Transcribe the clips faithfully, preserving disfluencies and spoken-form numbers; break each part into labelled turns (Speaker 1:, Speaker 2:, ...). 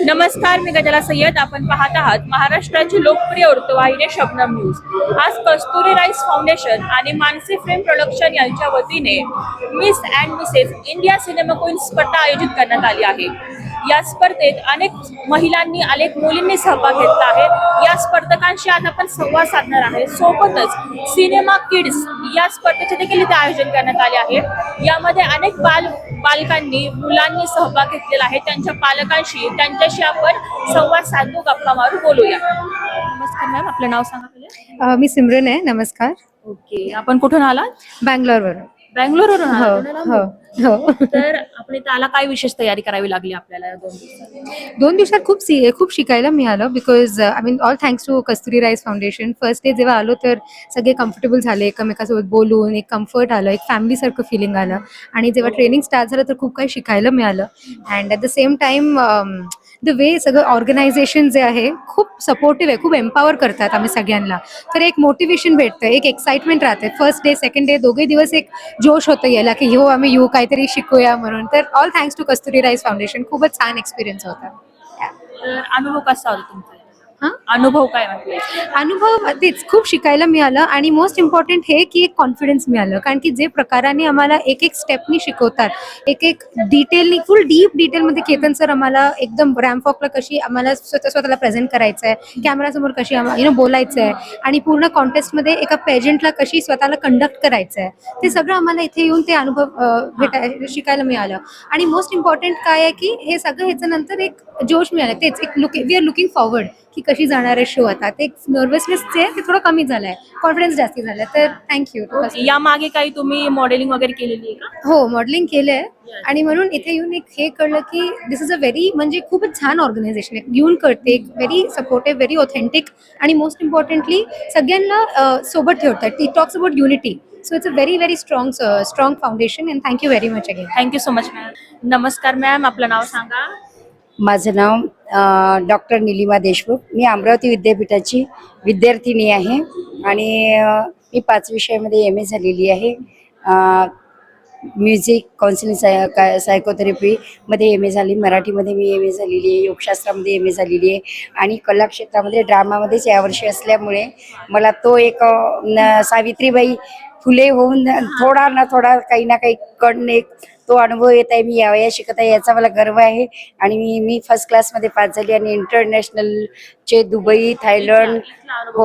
Speaker 1: नमस्कार, मी गजाला सय्यद. आपण पाहत आहात महाराष्ट्राची लोकप्रिय वृत्तवाहिनी शबनम न्यूज. आज कस्तुरी राईस फाउंडेशन आणि मानसी फिल्म प्रोडक्शन यांच्या वतीने Miss and Mrs India cinema queen स्पर्धा आयोजित करण्यात आली आहे. या स्पर्धेत अनेक महिलांनी अनेक मुलींनी सहभाग घेतला आहे. या स्पर्धकांशी आज आपण संवाद साधणार आहे. सोबतच सिनेमा किड्स या स्पर्धेचे देखील इथे आयोजन करण्यात आले आहे. यामध्ये अनेक बाल बालकांनी मुलांनी सहभाग घेतलेला आहे. त्यांच्या पालकांशी त्यांच्याशी आपण संवाद साधू, गप्पा मारू, बोलूया. नमस्कार मॅम, आपलं नाव सांगा पहिले.
Speaker 2: अ, मी सिमरन आहे. नमस्कार.
Speaker 1: ओके, आपण कुठून आलात?
Speaker 2: बँगलोरवरून.
Speaker 1: बँगलोरवरून
Speaker 2: हो
Speaker 1: आलात?
Speaker 2: हो हो.
Speaker 1: तर आपण इथे आला, काय विशेष तयारी करावी लागली आपल्याला या दोन दिवसात?
Speaker 2: दोन दिवसात खूप सी खूप शिकायला मिळालं. Because I mean all thanks to Kasturi Rice Foundation. First day जेव्हा आलो तर सगळे कम्फर्टेबल झाले, एकमेकासोबत बोलून एक कम्फर्ट आलं, एक फॅमिलीसारखं फिलिंग आलं. आणि जेव्हा ट्रेनिंग स्टार्ट झालं तर खूप काही शिकायला मिळालं. And at the same time the way सगळं ऑर्गनायझेशन जे आहे खूप सपोर्टिव्ह आहे, खूप एम्पॉवर करतात आम्ही सगळ्यांना. तर एक मोटिवेशन भेटतं, एक एक्साइटमेंट राहते. फर्स्ट डे सेकंड डे दोघे दिवस एक जोश होतं याला की हो आम्ही येऊ, काहीतरी शिकूया म्हणून. तर all thanks to Kasturi Rice Foundation. खूपच छान एक्सपिरियन्स होता.
Speaker 1: तर अनुभव कसा होता तुमचा?
Speaker 2: हां,
Speaker 1: अनुभव काय वाटले?
Speaker 2: अनुभव तेच खूप शिकायला मिळालं. आणि मोस्ट इम्पॉर्टंट हे की एक कॉन्फिडन्स मिळालं. कारण की जे प्रकाराने आम्हाला एक एक स्टेपनी शिकवतात, एक एक डिटेलनी, फुल डीप डिटेलमध्ये केतन सर आम्हाला एकदम रॅम्प वॉकला कशी आम्हाला स्वतः स्वतःला प्रेझेंट करायचं आहे, कॅमेरासमोर कशी यु नो बोलायचं आहे, आणि पूर्ण कॉन्टेस्टमध्ये एका पेजंटला कशी स्वतःला कंडक्ट करायचं आहे, ते सगळं आम्हाला इथे येऊन ते अनुभव भेटाय शिकायला मिळालं. आणि मोस्ट इम्पॉर्टंट काय आहे की हे सगळं ह्याच्यानंतर एक जोश मिळालं. तेच एक look we are looking forward की कशी जाणार आहे शो. आता ते नर्वसनेस जे ते थोडं कमी झालं आहे, कॉन्फिडन्स जास्त झाला. तर थँक्यू.
Speaker 1: या मागे काही तुम्ही मॉडेलिंग वगैरे केलेली आहे का?
Speaker 2: हो, मॉडेलिंग केलं आहे. आणि म्हणून इथे येऊन एक हे कळलं की दिस इज अ व्हेरी म्हणजे खूपच छान ऑर्गनायझेशन आहे. येऊन कळते, एक व्हेरी सपोर्टिव्ह, व्हेरी ऑथेंटिक, आणि मोस्ट इम्पॉर्टंटली सगळ्यांना सोबत ठेवतात. टी talks about unity. So it's a very very strong strong foundation. And thank you very much again.
Speaker 1: Thank you so much ma'am. नमस्कार मॅम, आपलं नाव सांगा.
Speaker 3: माझं नाव डॉक्टर निलिमा देशमुख. मी अमरावती विद्यापीठाची विद्यार्थिनी आहे आणि अ, मी पाच विषयामध्ये एम ए झालेली आहे. म्युझिक काउन्सिलिंग साय का सायकोथेरपीमध्ये एम ए झाली, मराठीमध्ये मी एम ए झालेली आहे, योगशास्त्रामध्ये एम ए झालेली आहे, आणि कलाक्षेत्रामध्ये ड्रामामध्येच यावर्षी असल्यामुळे मला तो एक अ, न सावित्रीबाई फुले होऊन थोडा ना थोडा काही ना काही कण एक तो अनुभव येत आहे. मी यावया शिकत आहे याचा मला गर्व आहे. आणि मी मी फर्स्ट क्लासमध्ये पास झाली आणि इंटरनॅशनलचे दुबई, थायलंड, हो,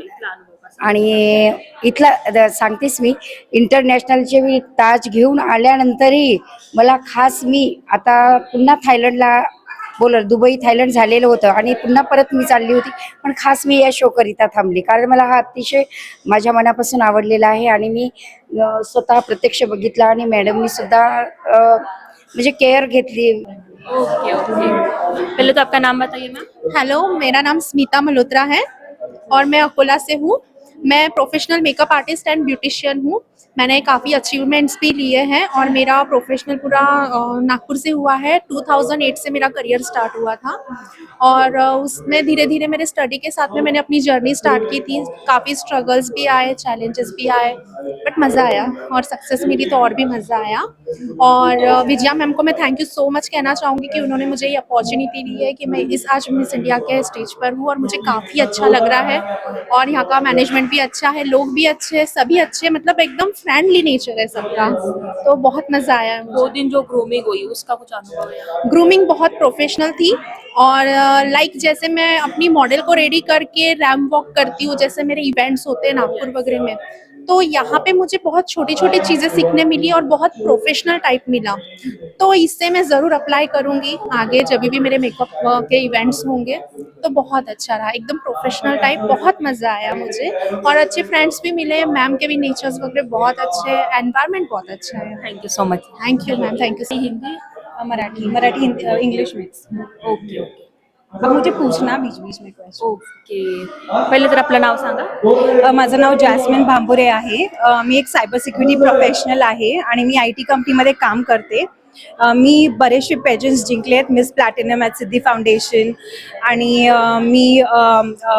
Speaker 3: आणि इथला द- सांगतेच मी इंटरनॅशनलचे मी ताज घेऊन आल्यानंतरही मला खास मी आता पुन्हा थायलंडला बोल दुबई थायलंड झालेलं होतं आणि पुन्हा परत मी चालली होती, पण खास मी या शो करिता थांबली कारण मला हा अतिशय माझ्या मनापासून आवडलेला आहे. आणि मी अ, स्वतः प्रत्यक्ष बघितला आणि मॅडमनी सुद्धा अ, म्हणजे केअर घेतली.
Speaker 1: ओके ओके, पहले तो आपका नाम बताइए मैम.
Speaker 4: हेलो, मेरा नाम स्मिता मल्होत्रा है और मैं अकोला से हूँ. मैं professional makeup artist and beautician हूँ. मैंने काफ़ी अचीवमेंट्स भी लिए हैं और मेरा प्रोफेशनल पूरा अ, नागपुर से हुआ है. टू थाउज़ेंड एट से मेरा करियर स्टार्ट हुआ था और अ, उसमें धीरे धीरे मेरे स्टडी के साथ में मैंने अपनी जर्नी स्टार्ट की थी. काफ़ी स्ट्रगल्स भी आए, चैलेंजेस भी आए, बट मज़ा आया और सक्सेस मिली तो और भी मज़ा आया. और अ, विजया मैम को मैं थैंक यू सो मच कहना चाहूँगी कि उन्होंने मुझे ये अपॉर्चुनिटी दी है कि मैं इस आज मिस इंडिया के स्टेज पर हूँ और मुझे काफ़ी अच्छा लग रहा है. और यहाँ का मैनेजमेंट भी अच्छा है, लोग भी अच्छे हैं, सभी अच्छे, मतलब एकदम फ्रेंडली नेचर है सबका. तो बहुत मज़ा आया है
Speaker 1: दो
Speaker 4: मुझे.
Speaker 1: दिन जो ग्रूमिंग हुई उसका कुछ अनुभव है?
Speaker 4: ग्रूमिंग बहुत प्रोफेशनल थी और लाइक जैसे मैं अपनी मॉडल को रेडी करके रैम्प वॉक करती हूँ, जैसे मेरे इवेंट्स होते हैं नागपुर वगैरह में, तो यहाँ पे मुझे बहुत छोटी छोटी चीज़ें सीखने मिली और बहुत प्रोफेशनल टाइप मिला. तो इससे मैं ज़रूर अप्लाई करूँगी आगे जब भी मेरे मेकअप के इवेंट्स होंगे. तो बहुत अच्छा रहा, एकदम प्रोफेशनल टाइप, बहुत मज़ा आया मुझे और अच्छे फ्रेंड्स भी मिले. मैम के भी नेचर्स वगैरह बहुत अच्छे हैं, एनवायरनमेंट बहुत अच्छा है.
Speaker 1: Thank you so much.
Speaker 4: Thank you ma'am, thank you.
Speaker 1: Hindi?
Speaker 5: Marathi Marathi Hindi English mix.
Speaker 1: Okay okay
Speaker 5: अब मुझे पूछना बीच बीच में क्वेश्चन.
Speaker 1: ओके, पहिले तर आपलं नाव सांगा.
Speaker 5: अ, माझं नाव जॅस्मिन भांबुरे आहे. अ, मी एक सायबर सिक्युरिटी प्रोफेशनल आहे आणि मी आय टी कंपनीमध्ये काम करते. अ, मी बरेचसे पेजन्स जिंकले आहेत, Miss Platinum at Siddhi Foundation आणि अ, मी अ, अ,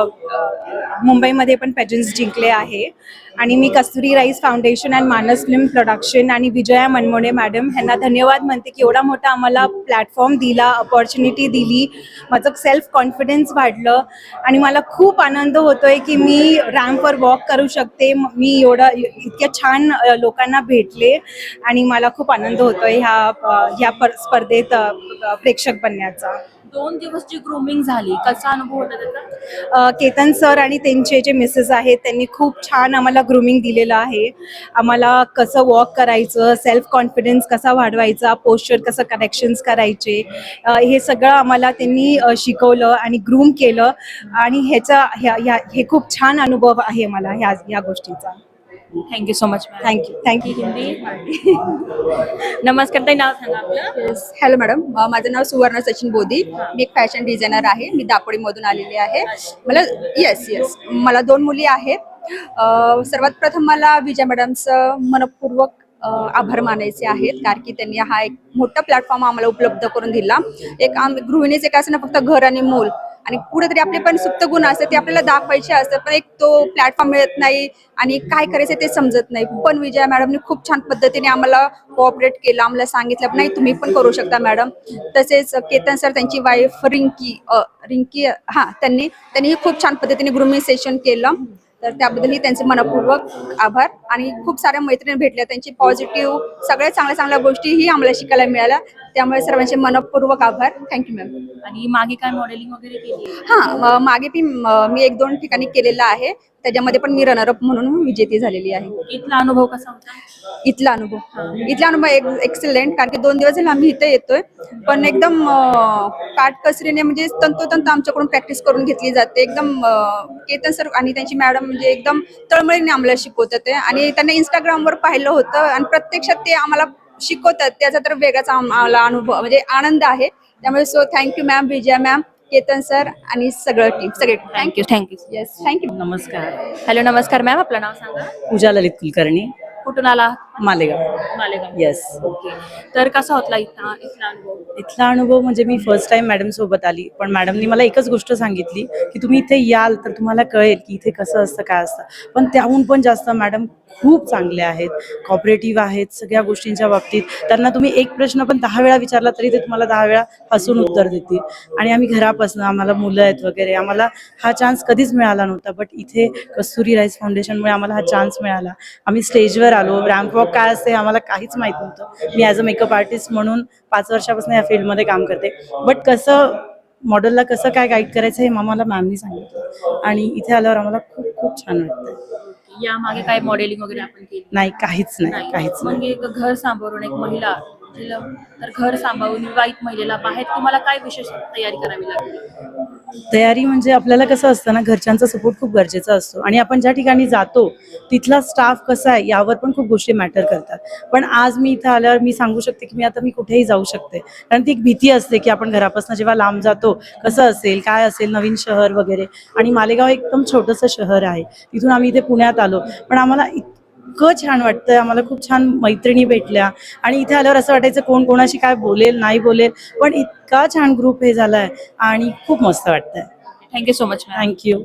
Speaker 5: अ, मुंबईमध्ये पण पेजन्स जिंकले आहे आणि मी Kasturi Rice Foundation and Manas film production आणि विजया मनमोडे मॅडम ह्यांना धन्यवाद म्हणते की एवढा मोठा आम्हाला प्लॅटफॉर्म दिला, अपॉर्च्युनिटी दिली, माझं सेल्फ कॉन्फिडन्स वाढलं आणि मला खूप आनंद होतोय की मी रॅम्पवर वॉक करू शकते. म- मी एवढं इतक्या छान अ, लोकांना भेटले आणि मला खूप आनंद होतोय ह्या अ, ह्या पर- स्पर्धेत अ, प्रेक्षक बनण्याचा.
Speaker 1: दोन दिवस जी ग्रूमिंग झाली, कसा अनुभव होता त्याचा?
Speaker 5: अ, केतन सर आणि त्यांचे जे मिसेस आहेत त्यांनी खूप छान आम्हाला ग्रूमिंग दिलेलं आहे. आम्हाला कसं वॉक करायचं, सेल्फ कॉन्फिडन्स कसा वाढवायचा, पोश्चर कसं करेक्शन्स करायचे, अ, हे सगळं आम्हाला त्यांनी अ, शिकवलं आणि ग्रूम केलं आणि ह्याचा ह्या ह्या हे खूप छान अनुभव आहे मला ह्या ह्या गोष्टीचा.
Speaker 1: Thank you so much.
Speaker 5: Thank you thank you.
Speaker 1: Hindi. नमस्कार ताई, नाव सांगा आपलं.
Speaker 6: येस हॅलो मॅडम, अ, माझं नाव सुवर्ण सचिन बोधी. मी एक फॅशन डिझायनर आहे. मी दापोडीमधून आलेली आहे. मला येस येस मला दोन मुली आहेत. अ, सर्वात प्रथम मला विजय मॅडमचं मनपूर्वक अ, आभार मानायचे आहेत, कारण की त्यांनी हा एक मोठा प्लॅटफॉर्म आम्हाला उपलब्ध करून दिला. एक आम गृहिणीचे काय असं ना, फक्त घर आणि मूल आणि कुठेतरी आपले पण सुप्त गुण असतात ते आपल्याला दाखवायचे असतात, पण एक तो प्लॅटफॉर्म मिळत नाही आणि काय करायचं ते समजत नाही. पण विजया मॅडमने खूप छान पद्धतीने आम्हाला कोऑपरेट केलं, आम्हाला सांगितलं नाही तुम्ही पण करू शकता मॅडम. तसेच केतन सर, त्यांची वाईफ रिंकी अ, रिंकी हां त्यांनी त्यांनीही खूप छान पद्धतीने ग्रूमिंग सेशन केलं, तर त्याबद्दलही त्यांचे मनपूर्वक आभार. आणि खूप साऱ्या मैत्रिणी भेटल्या, त्यांची पॉझिटिव्ह सगळ्या चांगल्या चांगल्या गोष्टीही आम्हाला शिकायला मिळाल्या, त्यामुळे सर्वांचे मनपूर्वक आभार. Thank you ma'am.
Speaker 1: आणि मागे काय मॉडेलिंग वगैरे केली?
Speaker 6: हां, म- मागे मी म- मी एक दोन ठिकाणी केलेलं आहे, त्याच्यामध्ये पण मी रनरअप म्हणून विजेती झालेली आहे.
Speaker 1: इथला अनुभव कसा होता?
Speaker 6: इथला अनुभव इथला अनुभव एक एक्सलेंट, कारण की दोन दिवस झाले आम्ही इथे येतोय, पण एकदम अं, काटकसरीने म्हणजे तंतोतंत आमच्याकडून प्रॅक्टिस करून घेतली जाते. एकदम अं, केतन सर आणि त्यांची मॅडम म्हणजे एकदम तळमळीने आम्हाला शिकवतात ते, आणि त्यांना इंस्टाग्रामवर पाहिलं होतं आणि प्रत्यक्षात ते आम्हाला शिकवतात, त्याचा तर वेगळाच आम्हाला अनुभव म्हणजे आनंद आहे. त्यामुळे so thank you ma'am, Vijaya ma'am, Ketan sir आणि सगळं टीम सगळे.
Speaker 1: Thank you thank you.
Speaker 6: Yes thank you.
Speaker 7: नमस्कार.
Speaker 1: हॅलो, नमस्कार मॅम, आपलं नाव सांगा.
Speaker 7: पूजा ललित कुलकर्णी,
Speaker 1: कुठून आला?
Speaker 7: मालेगाव.
Speaker 1: मालेगाव.
Speaker 7: येस.
Speaker 1: ओके. तर कसा होता इथला इथला अनुभव?
Speaker 7: इथला अनुभव म्हणजे मी फर्स्ट टाइम मॅडम सोबत आली, पण मॅडमनी मला एकच गोष्ट सांगितली की तुम्ही इथे याल तर तुम्हाला कळेल की इथे कसं असतं, काय असतं. पण त्याहून पण जास्त मॅडम खूप चांगले आहेत, कॉपरेटिव्ह आहेत सगळ्या गोष्टींच्या बाबतीत. त्यांना तुम्ही एक प्रश्न पण दहा वेळा विचारला तरी ते तुम्हाला दहा वेळा हसून उत्तर देतील. आणि आम्ही घरापासून, आम्हाला मुलं आहेत वगैरे, आम्हाला हा चान्स कधीच मिळाला नव्हता, बट इथे कस्तुरी राईस फाउंडेशनमुळे आम्हाला हा चान्स मिळाला. आम्ही स्टेजवर आलो, रॅम्प वॉक काय असते आम्हाला काहीच माहीत नव्हतं. मी ॲज अ मेकअप आर्टिस्ट म्हणून पाच वर्षापासून या फील्डमध्ये काम करते, बट कसं मॉडेलला कसं काय गाईड करायचं हे आम्हाला मॅमनी सांगितलं आणि इथे आल्यावर आम्हाला खूप खूप छान वाटतं.
Speaker 1: या मागे काय मॉडेलिंग वगैरे आपण केली?
Speaker 7: नाही, काहीच नाही, काहीच
Speaker 1: मग
Speaker 7: नाही.
Speaker 1: एक घर सांभाळून एक महिला तिला- तर घर सांभाळून विवाहित महिलेला बाहेर तुम्हाला काय विशेष तयारी करावी लागली?
Speaker 7: तयारी म्हणजे आपल्याला कसं असतं ना, घरच्यांचा सपोर्ट खूप गरजेचा असतो आणि आपण ज्या ठिकाणी जातो तिथला स्टाफ कसा आहे यावर पण खूप गोष्टी मॅटर करतात. पण आज मी इथं आल्यावर मी सांगू शकते की मी आता मी कुठेही जाऊ शकते, कारण ती एक भीती असते की आपण घरापासून जेव्हा लांब जातो कसं असेल, काय असेल, नवीन शहर वगैरे. आणि मालेगाव एकदम छोटंसं शहर आहे, तिथून आम्ही इथे पुण्यात आलो, पण आम्हाला इतकं छान वाटतंय, आम्हाला खूप छान मैत्रिणी भेटल्या आणि इथे आल्यावर असं वाटायचं कोण कोणाशी काय बोलेल नाही बोलेल, पण इतका छान ग्रुप हे झालाय आणि खूप मस्त वाटतंय.
Speaker 1: Thank you so much ma'am.
Speaker 7: Thank you.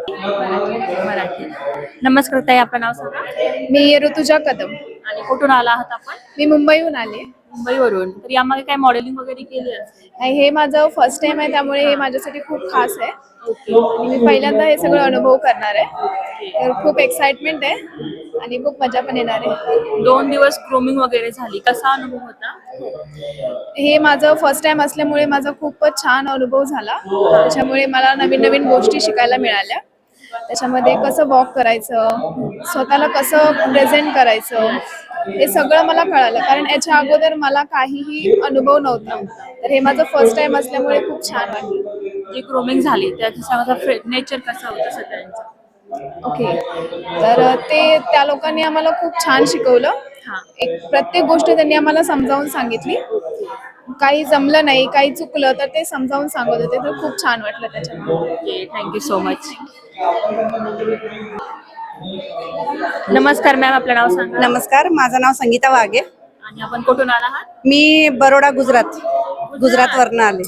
Speaker 1: Marathi. नमस्कार ताई, आपलं नाव सांगा.
Speaker 8: मी ऋतुजा कदम.
Speaker 1: आणि कुठून आला आहात आपण?
Speaker 8: मी मुंबईहून आले.
Speaker 1: मुंबईवरून. तर यामागे काय मॉडेलिंग वगैरे केली असेल?
Speaker 8: आणि हे माझं फर्स्ट टाइम आहे, त्यामुळे हे माझ्यासाठी खूप खास आहे आणि मी पहिल्यांदा हे सगळं अनुभव करणार आहे, तर खूप एक्साइटमेंट आहे आणि खूप मजा पण येणार आहे.
Speaker 1: दोन दिवस ग्रूमिंग वगैरे झाली, कसा अनुभव होता?
Speaker 8: हे माझं फर्स्ट टाइम असल्यामुळे माझा खूपच छान अनुभव झाला. त्याच्यामुळे मला नवीन नवीन गोष्टी शिकायला मिळाल्या. त्याच्यामध्ये कसं वॉक करायचं, स्वतःला कसं प्रेझेंट करायचं, हे सगळं मला कळालं, कारण याच्या अगोदर मला काहीही अनुभव नव्हता. तर हे माझं फर्स्ट टाइम असल्यामुळे खूप छान वाटलं.
Speaker 1: जी ग्रूमिंग झाली त्याच्या नेचर कसं होतं सगळ्यांचं?
Speaker 8: ओके, तर ते त्या लोकांनी आम्हाला खूप छान शिकवलं.
Speaker 1: हां.
Speaker 8: एक प्रत्येक गोष्ट त्यांनी आम्हाला समजावून सांगितली. काही जमलं नाही, काही चुकलं तर ते समजावून सांगत होते, तर खूप छान वाटलं त्याच्यामुळे.
Speaker 1: Okay, thank you so much. नमस्कार मॅम, आपलं नाव सांगा.
Speaker 5: नमस्कार, माझं नाव संगीता वाघे.
Speaker 1: आणि आपण कुठून आला आहात?
Speaker 9: मी बरोडा गुजरात गुजरात वरनं आले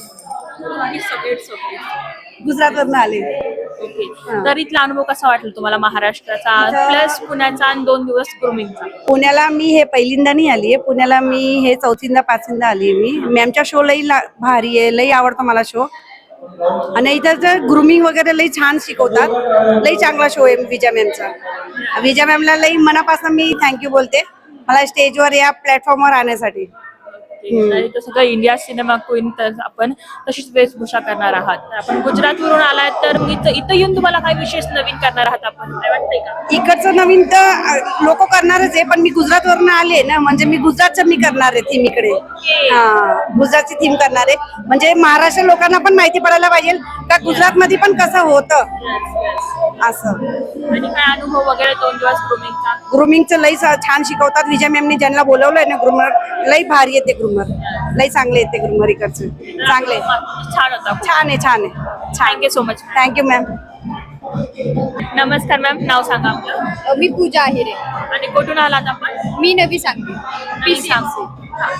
Speaker 9: गुजरात वरनं आले
Speaker 1: ओके. तर इथला अनुभव कसा वाटला तुम्हाला महाराष्ट्राचा प्लस पुण्याचा आणि दोन दिवस ग्रूमिंगचा?
Speaker 9: पुण्याला मी हे पहिल्यांदा नाही आली आहे. पुण्याला मी हे चौथींदा पाचवींदा आली आहे. मी मॅमच्या शो लई ला- भारी आहे, लई आवडतो मला शो. आणि इथं तर ग्रुमिंग वगैरे लई छान शिकवतात. लई चांगला शो आहे विजया मॅमचा. विजया मॅमला लई मनापासून मी थँक्यू बोलते मला स्टेजवर या प्लॅटफॉर्मवर आणण्यासाठी.
Speaker 1: आणि तो सगळं इंडिया सिनेमा क्वीन तर आपण तशीच वेशभूषा करणार आहात. तर आपण गुजरातवरून आलात तर मग इथं इथं येऊन तुम्हाला काय विशेष नवीन करणार आहात आपण, काय वाटतंय का?
Speaker 9: इकडचं नवीन तर लोक करणारच आहे, पण मी गुजरात वरनं आले ना, म्हणजे मी गुजरातचं मी करणार आहे थीम इकडे. हा, गुजरातची थीम करणार आहे, म्हणजे महाराष्ट्र लोकांना पण माहिती पडायला पाहिजे का गुजरात मध्ये पण कसं होतं असं.
Speaker 1: आणि काय अनुभव वगैरे दोन दिवस ग्रूमिंगचा?
Speaker 9: ग्रुमिंगचं लई सा- छान शिकवतात. विजय मॅमने ज्यांना बोलवलंय ना ग्रुमर, लई भारी येते ग्रुमर, लई चांगले येते ग्रुमर इकडचे, चांगले
Speaker 1: छान होता.
Speaker 9: छान आहे छान आहे छान.
Speaker 1: Thank you so much.
Speaker 9: Thank you ma'am.
Speaker 1: नमस्कार मॅम, नाव सांगा आपलं.
Speaker 8: मी पूजा आहिरे.
Speaker 1: आणि कुठून आलात आपण?
Speaker 8: मी नवी Sangli.
Speaker 1: P C M C.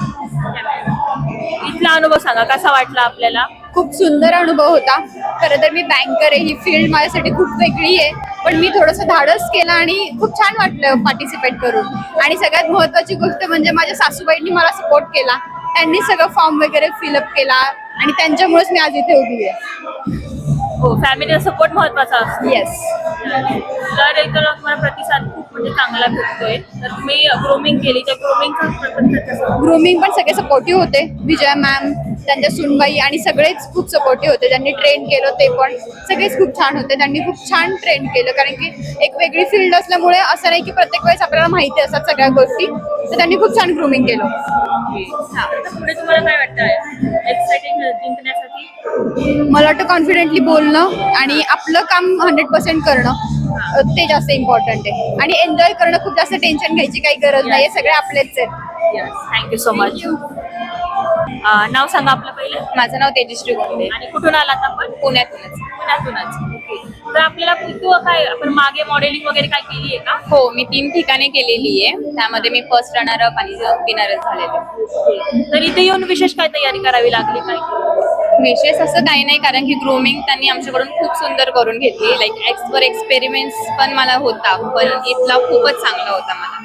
Speaker 1: इथला अनुभव सांगा, कसा वाटला आपल्याला?
Speaker 8: खूप सुंदर अनुभव होता. खरं तर मी बँकर आहे, ही फील्ड माझ्यासाठी खूप वेगळी आहे, पण मी थोडंसं धाडस केलं आणि खूप छान वाटलं पार्टिसिपेट करून. आणि सगळ्यात महत्त्वाची गोष्ट म्हणजे माझ्या सासूबाईंनी मला सपोर्ट केला. त्यांनी सगळं फॉर्म वगैरे फिलअप केला आणि त्यांच्यामुळेच मी आज इथे उभी आहे.
Speaker 1: हो, फॅमिलीचा सपोर्ट महत्वाचा असतो.
Speaker 8: येस.
Speaker 1: तर इथं तुम्हाला प्रतिसाद खूप म्हणजे चांगला भेटतोय. तर तुम्ही ग्रूमिंग केली, त्या ग्रूमिंगचा प्रतिसाद कसा?
Speaker 8: ग्रूमिंग पण सगळे सपोर्टिव्ह होते. विजया मॅम, त्यांच्या सुनबाई आणि सगळेच खूप सपोर्टिव्ह होते. त्यांनी ट्रेन केलं ते पण सगळेच खूप छान होते. त्यांनी खूप छान ट्रेन केलं, कारण की एक वेगळी फील्ड असल्यामुळे असं नाही की प्रत्येक वेळेस आपल्याला माहिती असतात सगळ्या गोष्टी. तर त्यांनी खूप छान ग्रूमिंग केलं.
Speaker 1: तर पुढे तुम्हाला काय वाटतं एक्साइटिंग जिंकण्यासाठी?
Speaker 8: मला वाटतं कॉन्फिडेंटली बोलणं आणि आपलं काम हंड्रेड पर्सेंट करणं अ, ते जास्त इम्पॉर्टंट आहे. आणि एन्जॉय करणं, खूप जास्त टेन्शन घ्यायची काही गरज नाही. हे सगळे आपलेच आहेत.
Speaker 1: Thank you so much. नाव सांगा आपलं पहिलं.
Speaker 8: माझं नाव तेजश्री गोंडे.
Speaker 1: आणि कुठून आलात आपण?
Speaker 8: पुण्यातूनच.
Speaker 1: पुण्यातूनच. ओके. तर आपल्याला तू काय आपण मागे मॉडेलिंग वगैरे काय केली आहे का?
Speaker 8: हो, मी तीन ठिकाणी केलेली आहे. त्यामध्ये मी फर्स्ट रनर अप आणि विनरच झालेले.
Speaker 1: तर इथे येऊन विशेष काय तयारी करावी लागली काय?
Speaker 8: विशेष असं काही नाही, कारण की ग्रूमिंग त्यांनी आमच्याकडून खूप सुंदर करून घेतली. लाईक एक्सवर एक्सपेरिमेंट्स पण मला होता, पण इथला खूपच चांगला होता मला.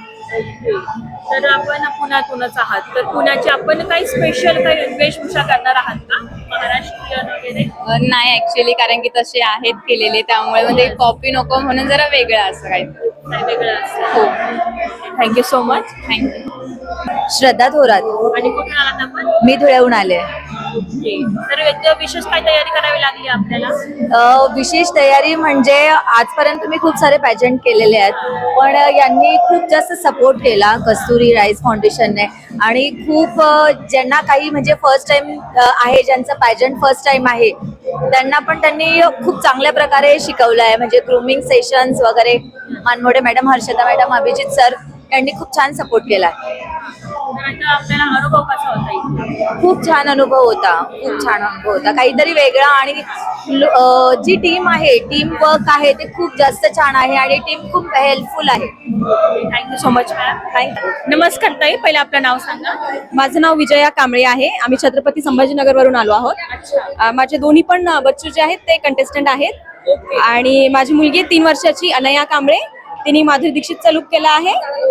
Speaker 1: तर आपण पुण्यातूनच आहात, तर पुण्याची आपण काही स्पेशल काही वेशभूषा करणार आहात का महाराष्ट्रीयन वगैरे?
Speaker 8: अ, नाही ऍक्च्युली, कारण की तसे आहेत केलेले, त्यामुळे म्हणजे कॉपी नको म्हणून जरा वेगळं असं काही.
Speaker 1: काही वेगळं असतं. हो, thank you so much.
Speaker 8: Thank you.
Speaker 3: Shraddha Thorat.
Speaker 1: आणि कुठून आलात आपण?
Speaker 3: मी धुळ्याहून आले.
Speaker 1: ओके. तर याचं विशेष काय तयारी करावी लागली आपल्याला?
Speaker 3: अ, विशेष तयारी म्हणजे आजपर्यंत मी खूप सारे पॅजंट केलेले आहेत, पण यांनी खूप जास्त सपोर्ट केला कस्तुरी राईस फाउंडेशनने. आणि खूप अ, ज्यांना काही म्हणजे फर्स्ट टाइम आहे, ज्यांचं पॅजंट फर्स्ट टाइम आहे, त्यांना पण त्यांनी खूप चांगल्या प्रकारे शिकवलं आहे. म्हणजे ग्रूमिंग सेशन्स वगैरे Manmode madam, Harshada madam, Abhijit sir यांनी खूप छान सपोर्ट केला.
Speaker 1: तर आता आपल्याला अनुभव कसा होता इथला?
Speaker 3: खूप छान अनुभव होता, खूप छान अनुभव होता. काहीतरी वेगळा. आणि लो- अ, जी टीम आहे, टीम वर्क आहे, ते खूप जास्त छान आहे आणि टीम खूप हेल्पफुल आहे.
Speaker 1: Thank you so much ma'am. Thank you. नमस्कार ताई, पहिलं आपलं नाव सांगा.
Speaker 6: माझं नाव विजया कांबळे आहे. आम्ही छत्रपती संभाजीनगर वरून आलो आहोत. अ, माझे दोन्ही पण अ, बच्चू जे आहेत ते कंटेस्टंट आहेत. आणि माझी मुलगी तीन वर्षाची अनया कांबळे, तिने माधुरी दीक्षितचा लुक केला आहे.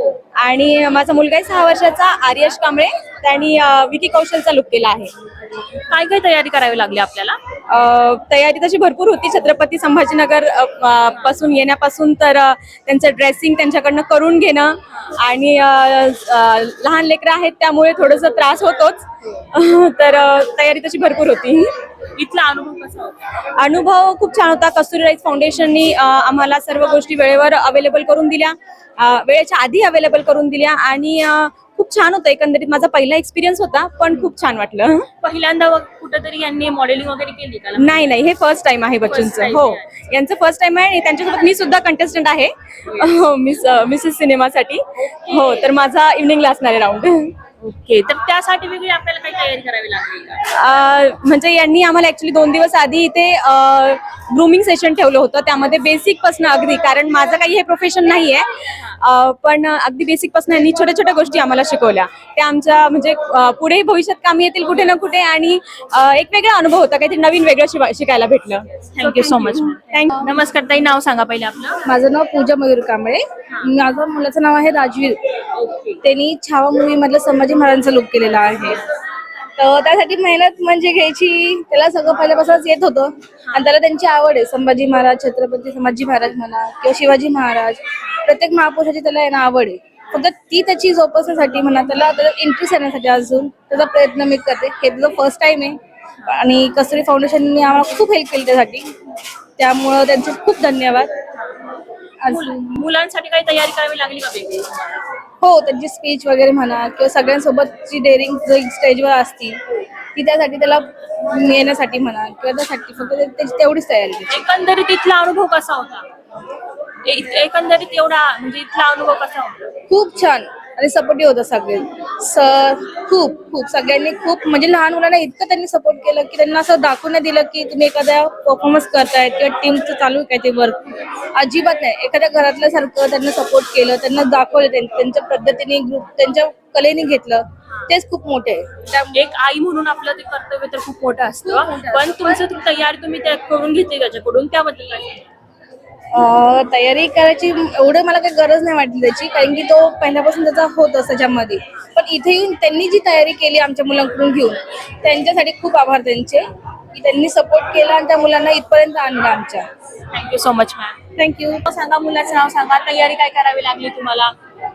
Speaker 6: आणि माझा मुलगा आहे सहा वर्षाचा आर्यश कांबळे, त्यांनी अ, विकी कौशलचा लुक केला आहे.
Speaker 1: काय काय तयारी करावी लागली आपल्याला?
Speaker 6: अ, तयारी तशी भरपूर होती. छत्रपती संभाजीनगर अ, अ, पासून येण्यापासून तर अ, त्यांचं ड्रेसिंग त्यांच्याकडनं करून घेणं. आणि अ, अ, लहान लेकरं आहेत त्यामुळे थोडंसं त्रास होतोच. तर अ, तयारी तशी भरपूर होती.
Speaker 1: इथला अनुभव कसा होता?
Speaker 6: अनुभव खूप छान होता. कस्तुरी राईस फाउंडेशननी अ, आम्हाला सर्व गोष्टी वेळेवर अवेलेबल करून दिल्या, अ, वेळेच्या आधी अवेलेबल करून दिल्या. आणि अ, खूप छान होतं. एकंदरीत माझा पहिला एक्सपिरियन्स होता, पण खूप छान वाटलं.
Speaker 1: पहिल्यांदा व- कुठेतरी यांनी मॉडेलिंग वगैरे केली का?
Speaker 6: नाही नाही, हे फर्स्ट टाइम आहे बच्चूंचं.
Speaker 1: time
Speaker 6: हो,
Speaker 1: आहे.
Speaker 6: यांचं फर्स्ट टाइम आहे. आणि त्यांच्यासोबत मी सुद्धा कंटेस्टंट आहे मिस मिसेस सिनेमासाठी. हो, तर माझा इव्हनिंगला असणार आहे राऊंड.
Speaker 1: ओके. तर त्यासाठी वेगळी आपल्याला काही तयारी करावी लागली का?
Speaker 6: अ, म्हणजे यांनी आम्हाला ऍक्च्युली दोन दिवस आधी इथे ग्रूमिंग सेशन ठेवलं होतं. त्यामध्ये बेसिक पासून अगदी, कारण माझं काही हे प्रोफेशन नाहीये, अं, पण अगदी बेसिक पासून यांनी छोट्या छोट्या गोष्टी आम्हाला शिकवल्या. त्या आमच्या म्हणजे अं, पुढे भविष्यात कामी येतील कुठे ना कुठे, आणि अं, एक वेगळा अनुभव होता, काहीतरी नवीन वेगळं शिवा- शिकायला भेटलं.
Speaker 1: Thank you so much. थँक्यू. नमस्कार ताई, नाव सांगा पहिले आपलं.
Speaker 8: माझं नाव पूजा मयूर कांबळे. माझं मुलाचं नाव आहे राजवीर. त्यांनी छावा मूवी मधलं संभाजी महाराजांचा लुक केलेला आहे. तर त्यासाठी मेहनत म्हणजे घ्यायची, त्याला सगळं पहिल्यापासूनच येत होतं आणि त्याला त्यांची आवड आहे. संभाजी महाराज, छत्रपती संभाजी महाराज म्हणा किंवा शिवाजी महाराज, प्रत्येक महापुरुषाची त्याला आहे ना आवड आहे. फक्त ती त्याची जोपासण्यासाठी म्हणा, त्याला त्याला इंटरेस्ट येण्यासाठी अजून त्याचा प्रयत्न मी करते. हे तुझं फर्स्ट टाइम आहे आणि कस्तुरी फाउंडेशनने आम्हाला खूप हेल्प केली त्यासाठी, त्यामुळं त्यांचे खूप धन्यवाद. अजून
Speaker 1: मुलांसाठी काही तयारी करावी लागली का वेगळी?
Speaker 8: हो, त्यांची स्पीच वगैरे म्हणा किंवा सगळ्यांसोबतची डेअरिंग जो स्टेजवर असती ती त्यासाठी त्याला येण्यासाठी म्हणा किंवा त्यासाठी फक्त ते- त्याची तेवढीच तयारी आहे.
Speaker 1: एकंदरीत इथला अनुभव कसा होता? ए- एकंदरीत एवढा म्हणजे इथला अनुभव कसा होता?
Speaker 8: खूप छान आणि सपोर्टिव्ह होतं सगळे सर. खूप खूप सगळ्यांनी खूप म्हणजे लहान मुलांना इतकं त्यांनी सपोर्ट केलं की त्यांना असं दाखवून नाही दिलं की तुम्ही एखाद्या परफॉर्मन्स करताय किंवा टीमचं चालू आहे काय ते वर्क. अजिबात नाही. एखाद्या घरातल्या सारखं त्यांना सपोर्ट केलं, त्यांना दाखवलं, त्यां- त्यांच्या पद्धतीने ग्रुप त्यांच्या कलेने घेतलं. तेच खूप मोठे आहे. त्या-
Speaker 1: एक आई म्हणून आपलं ते कर्तव्य तर खूप मोठं असतं, पण तुमचं ती तयारी तुम्ही त्या करून घेतली त्याच्याकडून, त्याबद्दल काय सांगाल?
Speaker 8: अं, तयारी करायची एवढं मला काही गरज नाही वाटली त्याची, कारण की तो पहिल्यापासून त्याचा होतच त्याच्यामध्ये. पण इथे येऊन त्यांनी जी तयारी केली आमच्या मुलांकडून घेऊन, त्यांच्यासाठी खूप आभार त्यांचे की त्यांनी सपोर्ट केला आणि त्या मुलांना इथपर्यंत आणलं आमच्या.
Speaker 1: Thank you so much ma'am.
Speaker 8: Thank you.
Speaker 1: नाव सांगा, मुलाचं नाव सांगा, तयारी काय करावी लागली तुम्हाला?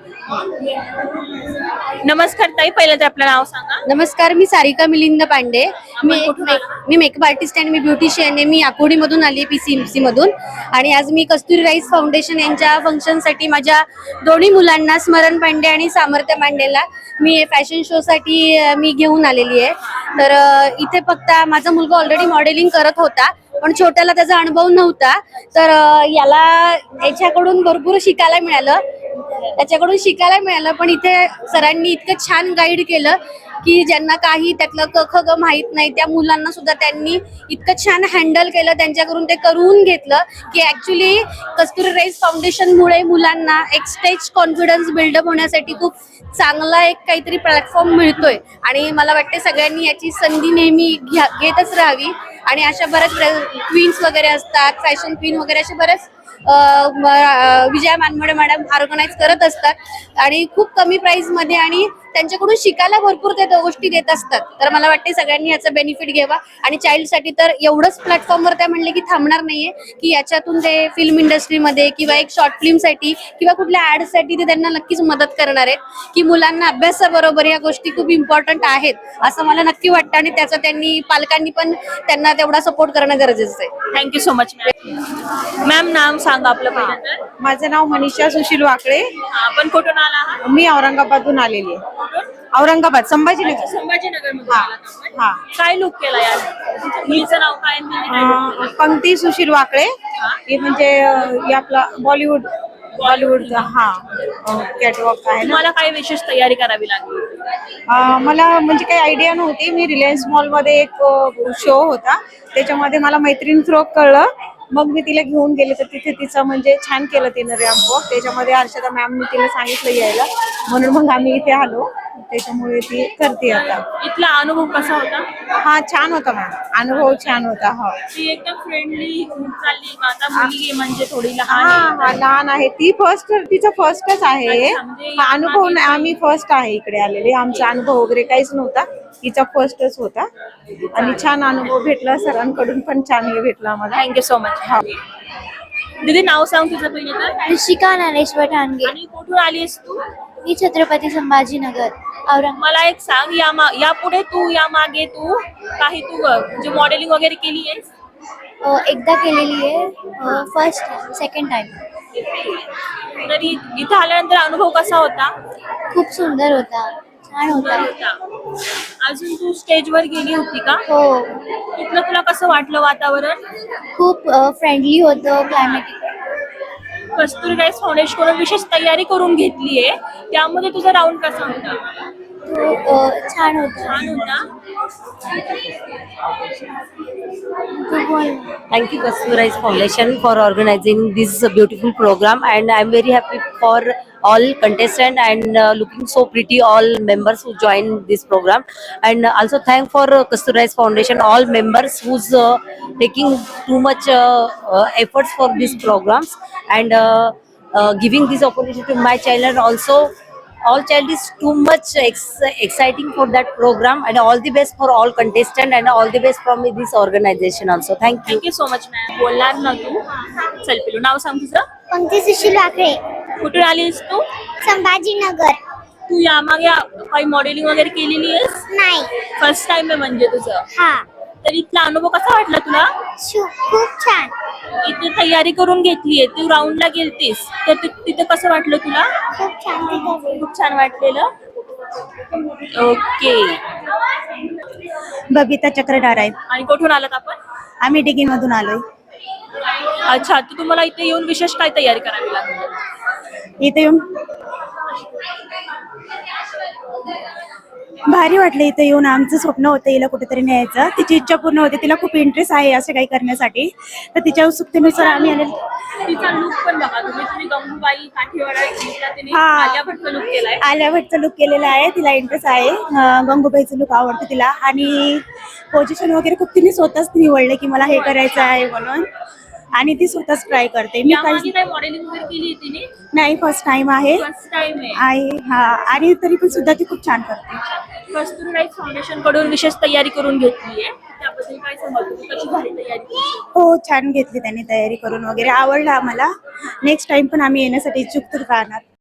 Speaker 1: नमस्कार ताई, पहिलं ते आपलं नाव सांगा.
Speaker 2: नमस्कार, मी सारिका मिलिंद पांडे. मी एक
Speaker 1: कुठून
Speaker 2: मे- मी मेकअप आर्टिस्ट आणि मी ब्युटिशियन आहे. मी आकुर्डीमधून आली, पीसीएमसी मधून. आणि आज मी कस्तुरी राईस फाउंडेशन यांच्या फंक्शनसाठी माझ्या दोन्ही मुलांना, स्मरण पांडे आणि सामर्थ्य पांडेला, मी फॅशन शो साठी अ, मी घेऊन आलेली आहे. तर अ, इथे फक्त माझा मुलगा ऑलरेडी मॉडेलिंग करत होता, पण छोट्याला त्याचा अनुभव नव्हता. तर अ, याला याच्याकडून भरपूर शिकायला मिळालं त्याच्याकडून शिकायला मिळालं पण इथे सरांनी इतकं छान गाईड केलं की ज्यांना काही त्यातलं क ख ग माहीत नाही त्या मुलांना सुद्धा त्यांनी इतकं छान हँडल केलं, त्यांच्याकडून ते करून घेतलं की ॲक्च्युली कस्तुरी राईस फाउंडेशनमुळे मुलांना एक स्टेज कॉन्फिडन्स बिल्डअप होण्यासाठी खूप चांगला एक काहीतरी प्लॅटफॉर्म मिळतोय. आणि मला वाटते सगळ्यांनी याची संधी नेहमी घ्या घेतच राहावी. आणि अशा बऱ्याच क्वीन्स वगैरे असतात, फॅशन क्वीन वगैरे असे बरेच अ, म- अ, विजया मानमोडे मॅडम ऑर्गनाईज करत असतात आणि खूप कमी प्राइस मध्ये आणि त्यांच्याकडून शिकायला भरपूर ते गोष्टी देत असतात. तर मला वाटते सगळ्यांनी याचा बेनिफिट घ्यावा. आणि चाइल्डसाठी तर एवढंच प्लॅटफॉर्मवर त्या म्हणले की थांबणार नाहीये, की याच्यातून ते फिल्म इंडस्ट्रीमध्ये किंवा एक शॉर्ट फिल्मसाठी किंवा कुठल्या ॲडसाठी ते त्यांना नक्कीच मदत करणार आहेत. की मुलांना अभ्यासाबरोबर या गोष्टी खूप इम्पॉर्टंट आहेत असं मला नक्की वाटतं आणि त्याचा त्यांनी पालकांनी पण त्यांना तेवढा सपोर्ट करणं गरजेचं आहे.
Speaker 1: Thank you so much ma'am. Ma'am नाव सांगा आपलं पहिलं तर.
Speaker 9: माझं नाव मनीषा सुशील वाकळे.
Speaker 1: आपण कुठून आला आहात?
Speaker 9: मी औरंगाबादहून आलेली आहे.
Speaker 1: कुठून?
Speaker 9: औरंगाबाद, संभाजीनगर.
Speaker 1: संभाजीनगर मधून
Speaker 9: हा,
Speaker 1: आलात आपण?
Speaker 9: हा.
Speaker 1: काय लुक केला यार? तुमच्या मुलीचं नाव काय आणि तिने काय look केलं?
Speaker 9: अं, पंक्ती सुशील वाकळे. हे म्हणजे अं, हे आपला बॉलिवूड बॉलिवूडचा हा कॅटवॉक आहे ना.
Speaker 1: तुम्हाला काय विशेष तयारी करावी लागली?
Speaker 9: अं, मला म्हणजे काही आयडिया नव्हती. मी रिलायन्स मॉलमध्ये एक शो होता, त्याच्यामध्ये मला मैत्रीण थ्रो कळलं. मग मी तिला घेऊन गेले तर तिथे तिचं म्हणजे छान केलं तिनं रॅम्प वॉक. त्याच्यामध्ये हर्षदा मॅमनी तिला सांगितलं यायला, म्हणून मग आम्ही इथे आलो. त्याच्यामुळे ती करते आता.
Speaker 1: इथला अनुभव कसा होता?
Speaker 9: हा, छान होता मॅम, अनुभव छान होता. हा
Speaker 1: ती एकदम फ्रेंडली चालली का? आता मुलगी म्हणजे थोडी लहान
Speaker 9: हा
Speaker 1: आहे.
Speaker 9: हा लहान आहे ती. फर्स्ट तिचं फर्स्टच आहे.
Speaker 1: अच्छा, म्हणजे
Speaker 9: हा, अनुभव नाही, आम्ही फर्स्ट आहे इकडे आलेले. आमचा अनुभव वगैरे काहीच नव्हता, तिचा फर्स्टच होता आणि छान अनुभव भेटला. सरांकडून पण छान हे भेटला आम्हाला.
Speaker 1: Thank you so much. दीदी नाव सांग तुझं पहिलं तर.
Speaker 10: ऋषिका ज्ञानेश्वर ठाणगे.
Speaker 1: आणि कुठून आलीस तू?
Speaker 10: मी छत्रपती संभाजीनगर औरंगाबाद.
Speaker 1: मला एक सांग, या मा यापुढे तू या मागे तू काही तू अ, म्हणजे मॉडेलिंग वगैरे केली आहेस?
Speaker 10: अ, एकदा केलेली आहे, फर्स्ट सेकंड टाइम.
Speaker 1: तरी इथं आल्यानंतर अनुभव कसा होता?
Speaker 10: खूप सुंदर होता, छान
Speaker 1: सुंदर
Speaker 10: होता.
Speaker 1: होता. अजून तू स्टेजवर गेली होती का?
Speaker 10: हो,
Speaker 1: तिथलं तुला कसं वाटलं वातावरण?
Speaker 10: खूप फ्रेंडली होतं, क्लायमॅटिक.
Speaker 1: कस्तुरी राईस फाउंडेशन कडून विशेष तयारी करून घेतलीये, त्यामध्ये तुझा राऊंड कसा होता?
Speaker 10: तो अ, छान होता.
Speaker 1: छान होता.
Speaker 10: खूप बोल
Speaker 3: Thank you, Kasturize Foundation, for organizing this beautiful program, and I'm very happy for all contestants and uh, looking so pretty all members who joined this program, and also thank for uh, Kasturize Foundation all members who's uh, taking too much uh, uh, efforts for these programs, and uh, uh, giving this opportunity to my child, and also all child is too much ex- exciting for that program, and all the best for all contestants and all the best from this organization also. Thank you.
Speaker 1: Thank you so much ma'am. बोलणार ना तू? चल पिलू, नाव सांग तुझं.
Speaker 10: पंक्ती सुशील वाकळे
Speaker 1: कुठून आलीस तू?
Speaker 10: संभाजीनगर.
Speaker 1: तू यामागे काही मॉडेलिंग वगैरे केलेली आहेस?
Speaker 10: नाही.
Speaker 1: फर्स्ट टाइम आहे म्हणजे तुझं?
Speaker 10: हा.
Speaker 1: तर इथला अनुभव कसा वाटला तुला?
Speaker 10: शू- खूप छान.
Speaker 1: इथे तयारी करून घेतलीये, तू राऊंडला गेलतीस, तर ति- तिथे कसं वाटलं तुला?
Speaker 10: खूप छान तिथं.
Speaker 1: खूप छान वाटलेलं. ओके.
Speaker 9: बबिता चक्रधार आहे.
Speaker 1: आणि कुठून आलात आपण?
Speaker 9: आम्ही डिगीमधून आलोय.
Speaker 1: अच्छा, तर तुम्हाला इथे येऊन विशेष काय तयारी करावी लागली?
Speaker 9: इथे येऊन भारी वाटलं. इथे येऊन आमचं स्वप्न होतं हिला कुठेतरी न्यायचं. तिची इच्छा पूर्ण होते. तिला खूप इंटरेस्ट आहे असं काही करण्यासाठी, तर तिच्या उत्सुकतेनुसार आम्ही आले.
Speaker 1: तिचा लुक पण बघा तुम्ही. तुम्ही गंगूबाई काठीवाडा घेतला, तिने
Speaker 9: हा.
Speaker 1: आलिया भट्टचा लुक केलाय.
Speaker 9: आलिया भट्टचा लुक केलेला आहे. तिला इंटरेस्ट आहे. अं, गंगूबाईचं लुक आवडतं तिला, आणि पोझिशन वगैरे खूप तिने स्वतःच निवडलं की मला हे करायचं आहे म्हणून, आणि ती स्वतःच ट्राय करते. मी
Speaker 1: यामागे
Speaker 9: काही
Speaker 1: काय मॉडेलिंग वगैरे केली तिने?
Speaker 9: नाही, फर्स्ट टाइम आहे.
Speaker 1: फर्स्ट टाइम आहे.
Speaker 9: आहे हा, आणि तरी पण सुद्धा ती खूप छान करते.
Speaker 1: कस्तुरीराज फाउंडेशन कडून विशेष तयारी करून घेतली आहे, त्याबद्दल काय सांगाल तुम्ही? कशी झाली तयारी?
Speaker 9: हो, छान घेतली त्यांनी तयारी करून वगैरे, आवडलं आम्हाला. नेक्स्ट टाइम पण आम्ही येण्यासाठी इच्छुक राहणार.